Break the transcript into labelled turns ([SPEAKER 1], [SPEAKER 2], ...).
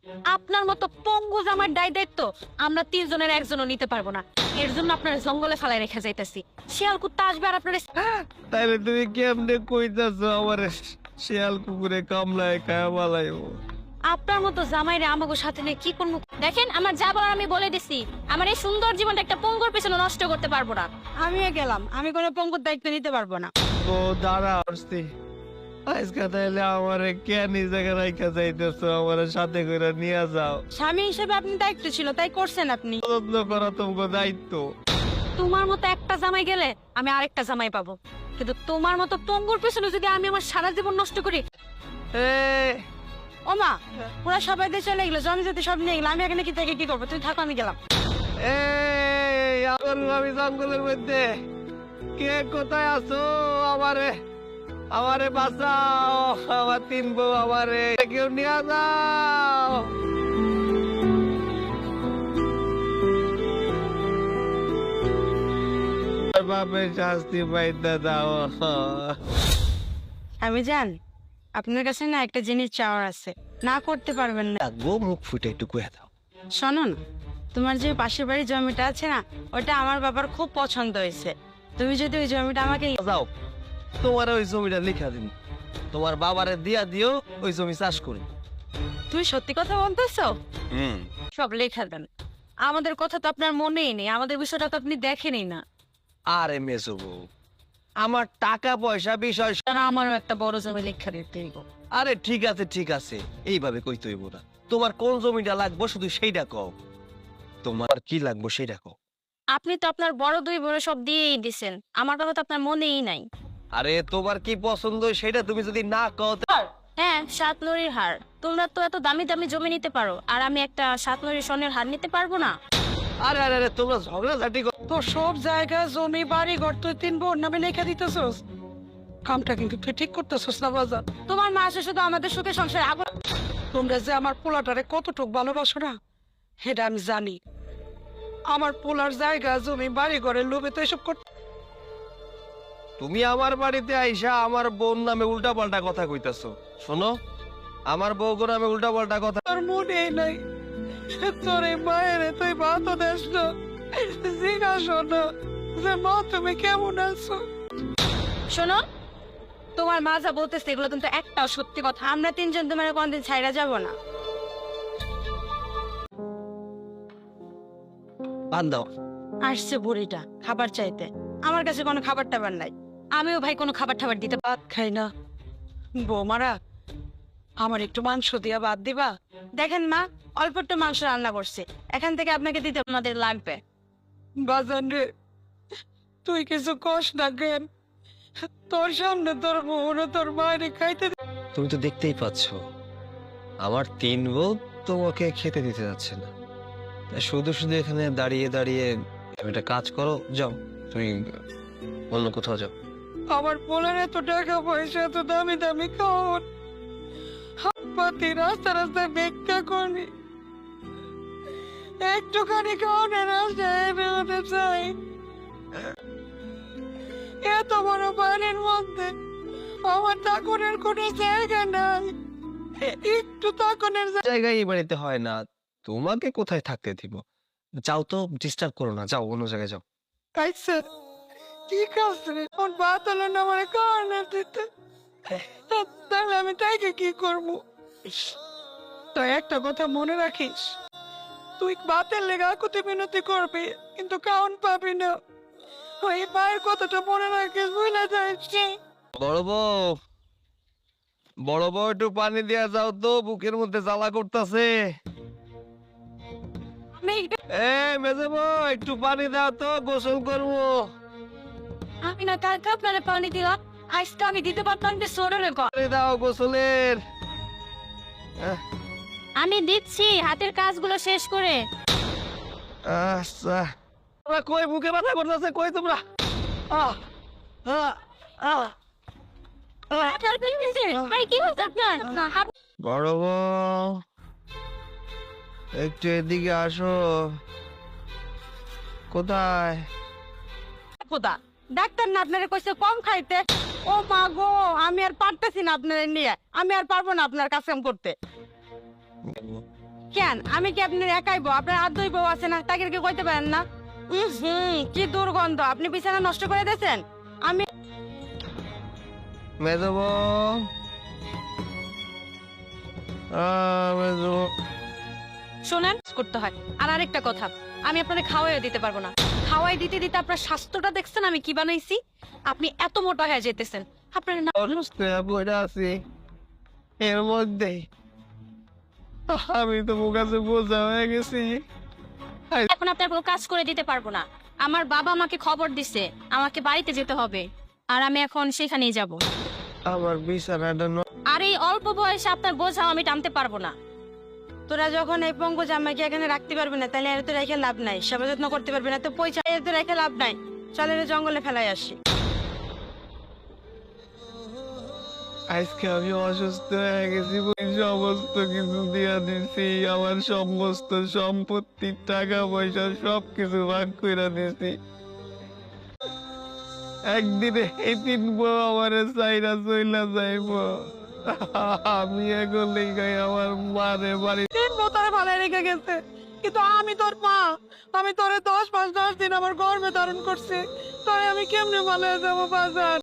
[SPEAKER 1] আপনার মতো পঙ্গু জামার দায়িত্ব আমরা তিনজনের একজনও নিতে পারবো না। এর জন্য আপনার জঙ্গলে ফেলায় রেখে যাইতেছি। শিয়াল কুত্তা আসবে আর আপনার
[SPEAKER 2] তাইলে তুমি কেমনে কইতাছো আমার শিয়াল কুকুরে কামলায় খায়া বালাইবো?
[SPEAKER 1] আপনার মতো জামাইরে আমাগো সাথে নিয়ে কি করবো? দেখেন, আমার যা বলার আমি বলে দিছি। আমার এই সুন্দর জীবনটা একটা পঙ্গুর পেছনে নষ্ট করতে পারবো না।
[SPEAKER 3] আমিও গেলাম, আমি কোনো পঙ্গুর দায়িত্ব নিতে পারবো না।
[SPEAKER 2] তো দাঁড়া আসছি আজকে তাইলে আমারে কেন এই জায়গায় রাইখা যাইতেছো? আমার সাথে করে নিয়ে যাও।
[SPEAKER 3] স্বামী হিসেবে আপনি দায়িত্ব ছিল, তাই করছেন আপনি।
[SPEAKER 2] যত্ন করা তোমার দায়িত্ব।
[SPEAKER 1] তোমার মতো একটা জামাই গেলে আমি আরেকটা জামাই পাবো, কিন্তু তোমার মতো পঙ্গুর পেছনে যদি আমি আমার সারা জীবন নষ্ট করি।
[SPEAKER 3] ও মা, ওরা সবাই দিয়ে চলে গেলো, জমি যদি সব নিয়ে গেলো, আমি এখানে কি থেকে কি করবো? তুমি থাকো, আমি গেলাম।
[SPEAKER 2] আমি জঙ্গলের মধ্যে, কে কোথায় আছো? আমারে আমারে বাঁচাও, আমার তিন বউ আমারে কেউ নিয়ে যাও। বাপের শাস্তি পাইতে দাও।
[SPEAKER 3] আমি জান, আপনার কাছে না একটা জিনিস চাওয়ার আছে, না করতে পারবেন না।
[SPEAKER 2] গো মুখ ফুটে একটু কয়ে দাও।
[SPEAKER 3] শোনো না, তোমার যে পাশের বাড়ির জমিটা আছে না, ওটা আমার বাবার খুব পছন্দ হয়েছে। তুমি যদি ওই জমিটা আমাকে
[SPEAKER 2] যাও, তোমার ওই জমিটা লিখা দিন, তোমার বাবারে দিয়া দিও, ওই জমি চাষ করি।
[SPEAKER 1] তুমি সত্যি কথা বলতেছো? সব লেখা দেন। আমাদের কথা তো আপনার মনেই নেই, আমাদের বিষয়টা তো আপনি দেখেনই না।
[SPEAKER 2] আরে মেসো বউ, আমার টাকা পয়সা বিষয়
[SPEAKER 1] তারা আমারও একটা বড় জমি লেখা দিতে হইব।
[SPEAKER 2] আরে ঠিক আছে ঠিক আছে, এইভাবে কইতে হইব না। তোমার কোন জমিটা লাগবো শুধু সেইটা কও, তোমার কি লাগবো সেইটা কও।
[SPEAKER 1] আপনি তো আপনার বড় দুই বড় সব দিয়েই দিছেন, আমার কথা তো আপনার মনেই নাই।
[SPEAKER 2] আরে তোমার কি পছন্দ সেটা তুমি যদি না কও
[SPEAKER 1] হ্যাঁ, সাত নড়ির হার। তোমরা তো এত দামি দামি জমি নিতে পারো, আর আমি একটা সাত নড়ির স্বর্ণের হার নিতে পারবো না?
[SPEAKER 2] আরে আরে আরে তোমরা ঝগড়াঝাটি
[SPEAKER 3] তো সব জায়গা জমি বাড়ি ঘর তুই তিন বোন নামে লেখা দিতেছস, কামটা কিন্তু তুই ঠিক করতেছস না বাজার। তোমার মা আসে শুধু আমাদের সুখে সংসারে আগুন। তোমরা যে আমার পোলাটারে কতটুক ভালোবাসো না, সেটা আমি জানি। আমার পোলার জায়গা জমি বাড়ি ঘরের লোভে তো এসব করতে।
[SPEAKER 2] তুমি আমার বাড়িতে আইসা আমার বোন নামে উল্টা পাল্টা কথা কইতাছো। শোনো, আমার বউ নামে উল্টা পাল্টা কথা
[SPEAKER 3] তোর মনেই নাই, তোর এই মায়ের তুই ভাত দেশ না, জিজ্ঞাসা না যে মা তুমি কেমন আছো।
[SPEAKER 1] শোনো, তোমার মা যা বলতেছে এগুলো কিন্তু একটাও সত্যি কথা।
[SPEAKER 3] আমরা তিনজন তোমার কোনদিন ছাইরা যাব না।
[SPEAKER 2] বান দাও।
[SPEAKER 3] আসছে বুড়িটা খাবার চাইতে, আমার কাছে কোনো খাবার টাবার নাই।
[SPEAKER 1] আমিও ভাই কোনো খাবার টাবার দিতে
[SPEAKER 3] ভাত খাই না। বৌমারা, আমার একটু মাংস দিয়া ভাত দিবা? দেখেন মা, অল্প একটু মাংস রান্না করছে, এখান থেকে আপনাকে দিতে
[SPEAKER 1] আমাদের লাগবে।
[SPEAKER 3] বাজান রে, তুই কিছু কষ না কেন? তোর সামনে তোর বউর তোর মায়ের খাইতে
[SPEAKER 2] তুমি তো দেখতেই পাচ্ছ আমার তিন বউ তোমাকে খেতে দিতে যাচ্ছে না, তাই শুধু শুধু এখানে দাঁড়িয়ে দাঁড়িয়ে তুমি একটা কাজ করো, যাও তুমি অন্য কোথাও যাও।
[SPEAKER 3] আমার পোলার এত টাকা পয়সা, এত দামি দামি খাওয়ার, হাতপাতি রাস্তা রাস্তায় ভিক্ষা করি, একটুখানি খাওয়ানোর রাস্তায় বেরোতে চাই। এত বড় বাড়ির মধ্যে আমার তাকনের কোনো জায়গা নাই, একটু তাকনের
[SPEAKER 2] জায়গায় এই বাড়িতে হয় না, তোমাকে কোথায় থাকতে দিব? যাও তো, ডিস্টার্ব করো না, যাও অন্য জায়গায় যাও।
[SPEAKER 3] আচ্ছা ঠিক আছে, ওর ভাত হলো না আমার খাওয়ানো দিতে, তাহলে আমি তাইকে কি করবো? তাই একটা কথা মনে রাখিস, তুই ভাতের লেগে আকুতি মিনতি করবি কিন্তু খাওন পাবি না। ওই মায়ের কথাটা মনে রাখিস, বুঝলে যাচ্ছি।
[SPEAKER 2] বড় বউ, বড় বউ একটু পানি দিয়া যাও তো, বুকের মধ্যে জ্বালা করতেছে। মেজে বউ একটু পানি দাও তো, গোসল করবো।
[SPEAKER 1] আমি না কালকে আপনারা পানি দিলাম, আজকে আমি দিতে পারতাম যে সরলে
[SPEAKER 2] পানি দাও গোসলের।
[SPEAKER 1] আমি দিচ্ছি হাতের কাজগুলো শেষ করে।
[SPEAKER 2] আচ্ছা, তোমরা কই বুকে ব্যথা করতেছে, কই তোমরা? আহ আহ আহ
[SPEAKER 1] ভাই কি হচ্ছে আপনার?
[SPEAKER 2] বড় বউ একটু এদিকে আসো। কোথায়?
[SPEAKER 3] খোদা, ডাক্তার না আপনারা কইছে কম খাইতে। ও মা গো, আমি আর পারতেছি না আপনাদের নিয়ে, আমি আর পারবো না আপনার কাজ কাম করতে।
[SPEAKER 1] কেন আমি কি আপনার একাই বউ? আপনার আর দুই বউ আছে না, তাকে কি কইতে পারেন না? কি দুর্গন্ধ, আপনি বিছানা নষ্ট করে দিয়েছেন। আমি
[SPEAKER 2] মেজব মেজব
[SPEAKER 1] শোনেন করতে হয়। আর আরেকটা কথা, আমি আপনাদের খাওয়াই দিতে পারবো না। খাওয়াই দিতে দিতে আপনার স্বাস্থ্যটা দেখছেন আমি কি বানাইছি। আপনি এত মোটা হয়ে যেতেছেন। আপনার না
[SPEAKER 2] অসুস্থ হয়ে পড়ে আছি এর মধ্যে আমি তো কাছে বোঝা হয়ে গেছি।
[SPEAKER 1] এখন আপনার কোনো কাজ করে দিতে পারবো না। আমার বাবা আমাকে খবর দিছে আমাকে বাড়িতে যেতে হবে, আর আমি এখন সেখানেই যাব।
[SPEAKER 2] আমার বিছানাটা
[SPEAKER 1] আর এই অল্প বয়সে আপনার বোঝাও আমি টানতে পারবো না। তোরা যখন এই পঙ্কজ আমাকে এখানে রাখতে পারবি না, তাহলে এর তো রেখে লাভ নাই। সেবা যত্ন করতে পারবি না তো পয়সা এর তো রেখে লাভ নাই। চল এর জঙ্গলে ফেলাই আসি।
[SPEAKER 2] আজকে আমি অসুস্থ হয়ে গেছি, সমস্ত কিছু দিয়া দিছি, আমার সমস্ত সম্পত্তি টাকা পয়সা সবকিছু ভাগ করে দিছি। একদিনে এই তিন বউ আমার চাইরা চইলা যাইব। আমি এখন লিগাই আমার মারে বাড়ি
[SPEAKER 3] তিন বউ তোরে ভালো রেখে গেছে, কিন্তু আমি তোর মা। আমি তোরে 10 মাস 10 দিন আমার গর্ভে ধারণ করছি, তাই আমি কেমনে ভালো যাবো বাজার?